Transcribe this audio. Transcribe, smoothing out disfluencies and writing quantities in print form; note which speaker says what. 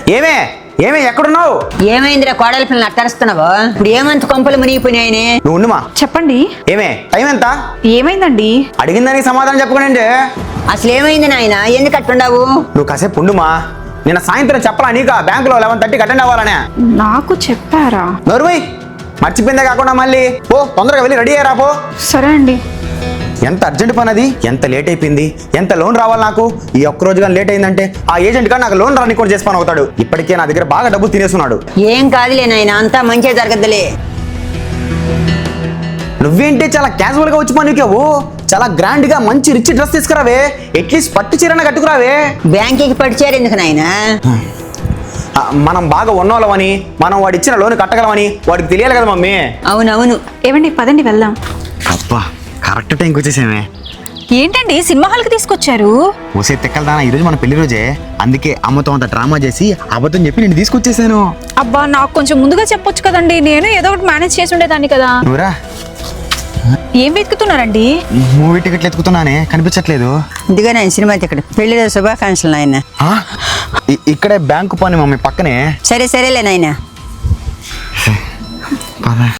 Speaker 1: ఏమే ఏమే ఎక్కడున్నావు?
Speaker 2: ఏమైందిరా కోడలి పిల్లలు అట్టరుస్తున్నావు? ఇప్పుడు ఏమంత కొంపలు మునిగిపోయినాయని?
Speaker 1: నువ్వు ఉండుమా.
Speaker 3: చెప్పండి.
Speaker 1: ఏమే టైం ఎంత?
Speaker 3: ఏమైందండి?
Speaker 1: అడిగిన దానికి సమాధానం చెప్పకండి.
Speaker 2: అసలు ఏమైంది నాయన? ఎందుకు అట్టుండవు?
Speaker 1: నువ్వు కాసేపు ఉండుమా. నిన్న సాయంత్రం చెప్పలా నీకా బ్యాంకులో 11:30కి అటెండ్ అవ్వాలనే?
Speaker 3: నాకు చెప్పారా?
Speaker 1: నోరుమై, మర్చిపోయిందే కాకుండా మళ్ళీ పో, తొందరగా వెళ్ళి రెడీ అయ్యారా పో.
Speaker 3: సరే అండి.
Speaker 1: ఎంత అర్జెంట్ పని అది, ఎంత లేట్ అయిపోయింది, ఎంత లోన్ రావాలి నాకు. ఈ ఒక్క రోజు కానీ లేట్ అయిందంటే ఆ ఏజెంట్ కానీ నాకు లోన్ రాని కూడా చేసి పని అవుతాడు. ఇప్పటికే నా దగ్గర బాగా డబ్బులు తినేస్తున్నాడు.
Speaker 2: ఏం కాదులే నాయన, అంతా మంచిగా జరగద్దులే.
Speaker 1: నువ్వేంటి చాలా క్యాజువల్ గా వచ్చి పనికావు. చాలా గ్రాండ్ గా మంచి రిచ్ డ్రెస్ తీసుకురావే. అట్లీస్ట్ పట్టు చీరన కట్టుకురావే.
Speaker 2: బ్యాంకుకి పడిచారు ఎందుకు నాయన?
Speaker 1: మనం బాగా ఉన్నోళ్ళమని, మనం వాడు ఇచ్చిన లోన్ కట్టగలమని వాడికి తెలియాలి కదా మమ్మీ.
Speaker 2: అవునవును.
Speaker 3: ఏమండి పదండి వెళ్దాం.
Speaker 1: అబ్బా కరెక్ట్ టైంకి వచ్చేసామే.
Speaker 3: ఏంటండి సినిమా హాల్కి తీసుకొచ్చారు?
Speaker 1: ఓసే తెక్కలదానా, ఈరోజు మన పెళ్లి రోజే. అందుకే అమ్మతో అంత డ్రామా చేసి అబద్ధం చెప్పి నేను తీసుకొచ్చేసాను.
Speaker 3: అబ్బా నాకు కొంచెం ముందుగా చెప్పొచ్చు కదండి, నేను ఏదో ఒకటి మేనేజ్ చేసి ఉండేదాన్ని కదా.
Speaker 1: నువ్వురా.
Speaker 3: ఏం వెతుకుతున్నారండి?
Speaker 1: మూవీ టికెట్లు ఎత్తుకుతున్నానే, కనిపించట్లేదు.
Speaker 2: ఇదిగా నాయన సినిమా టికెట్. పెళ్లి రోజు శుభాకాంక్షలు నాయన.
Speaker 1: ఇక్కడే బ్యాంకు పని మమ్మీ, పక్కనే.
Speaker 2: సరే సరేలే నాయన.